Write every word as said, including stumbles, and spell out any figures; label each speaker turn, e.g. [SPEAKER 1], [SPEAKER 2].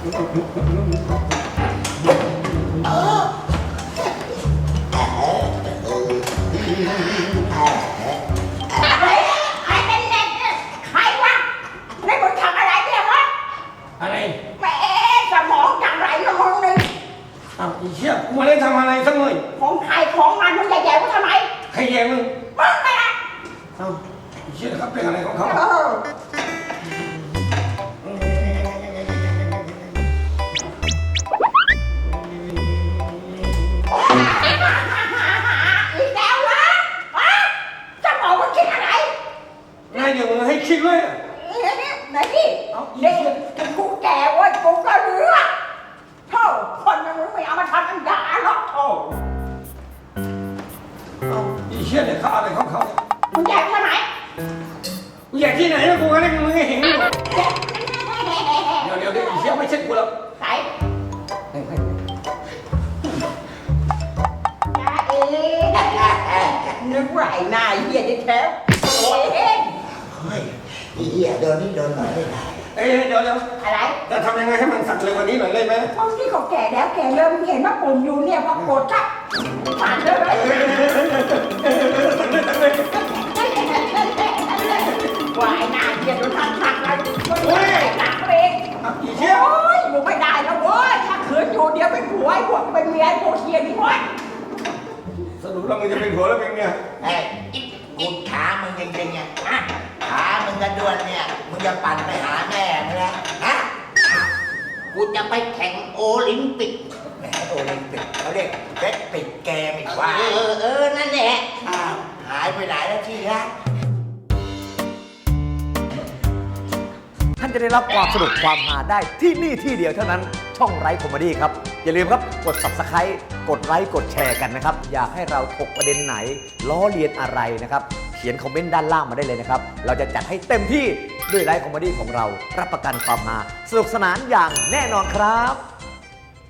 [SPEAKER 1] เอออะไรใครเป็นเด็กเนี่ยใครวะนี่มึงทำอะไรเนี่ยวะ
[SPEAKER 2] อะไร
[SPEAKER 1] แม่สมองจังไรละมึงนึง
[SPEAKER 2] อ้าวอีเชี่ยกูไม่ได้ทำอะไรสักหน่อย
[SPEAKER 1] ของใครของมันมึงใหญ่ๆกูทำไม
[SPEAKER 2] ใครแย่มึง
[SPEAKER 1] มึงไปละ
[SPEAKER 2] เอ้าอีเชี่ยเขาเป็นอะไรของเขา
[SPEAKER 1] เอออีกแล้ววะฮะสมองมึงคิดอะไร
[SPEAKER 2] ง่ายเดี๋ยวมึงให้คิดเลย
[SPEAKER 1] ไหนนี่ไหนนี่เด็กกูแก่เว้ยกูก็เลือกโธ่คนมันไม่เอามาทำอันด่าหรอกโธ่
[SPEAKER 2] อีเชี่ยเนี่ยเขาอะไรของเขาเนี่ย
[SPEAKER 1] มึงแย่มาไหน
[SPEAKER 2] กูอยากที่ไหนแล้วกูก็ได้มึงให้เห็นอยู่เดี๋ยวเดี๋ยวเดี๋ยวอีเชี่ยไม่ใช่กูแล้ว
[SPEAKER 1] ใส่จ้าเอ๋นึกว่าไอ้นายเหี้ยที่แท้โอ้ยเฮ้
[SPEAKER 3] ยเหี้ยโดนนี่โดนหน่อยไม่ได้
[SPEAKER 2] เอ้ยเดี๋ยวเดี๋ยว
[SPEAKER 1] อะไร
[SPEAKER 2] จะทำยังไงให้มันสักเลยวันนี้หน่อยได้ไหม
[SPEAKER 1] มึงที่เขาแก่แล้วแก่เริ่มเห็นว่าปุ่มอยู่เนี่ยพอกดชักผ่านเลยว่าไอ้นายเหี้ยโดนทักทักอะไรโอ้ยตักเอง
[SPEAKER 2] อีเชี่ย
[SPEAKER 1] โอ้ยอยู่ไม่ได้แล้วเว้ยถ้าขืนอยู่เดี๋ยวเป็นผัวไอ้พวกเป็นเมียไอ้พวกเฮียนี่เว้ย
[SPEAKER 2] สรุปแล้วมึงจะเป็นผัวแล้วเป็นเมีย
[SPEAKER 3] เฮ้ยกูขามึงจริงๆอ่ะฮะขามึงกระด้วนเนี่ยมึงจะปั่นไปหาแม่มึงนะฮะกูจะไปแข่งโอลิมปิกแหมโอลิมปิกเขาเรียกเวทปิดเกมอีกว่า
[SPEAKER 1] เออเออนั่นแหละ
[SPEAKER 3] อ้าวหายไปไหนแล้วที่ฮะ
[SPEAKER 4] ท่านจะได้รับความสนุกความฮาได้ที่นี่ที่เดียวเท่านั้นช่องไร้คอมเมดี้ครับอย่าลืมครับกด ซับสไครบ์ กดไลค์กดแชร์กันนะครับอยากให้เราถกประเด็นไหนล้อเลียนอะไรนะครับเขียนคอมเมนต์ด้านล่างมาได้เลยนะครับเราจะจัดให้เต็มที่ด้วยไร้คอมเมดี้ของเรารับประกันความฮาสนุกสนานอย่างแน่นอนครับ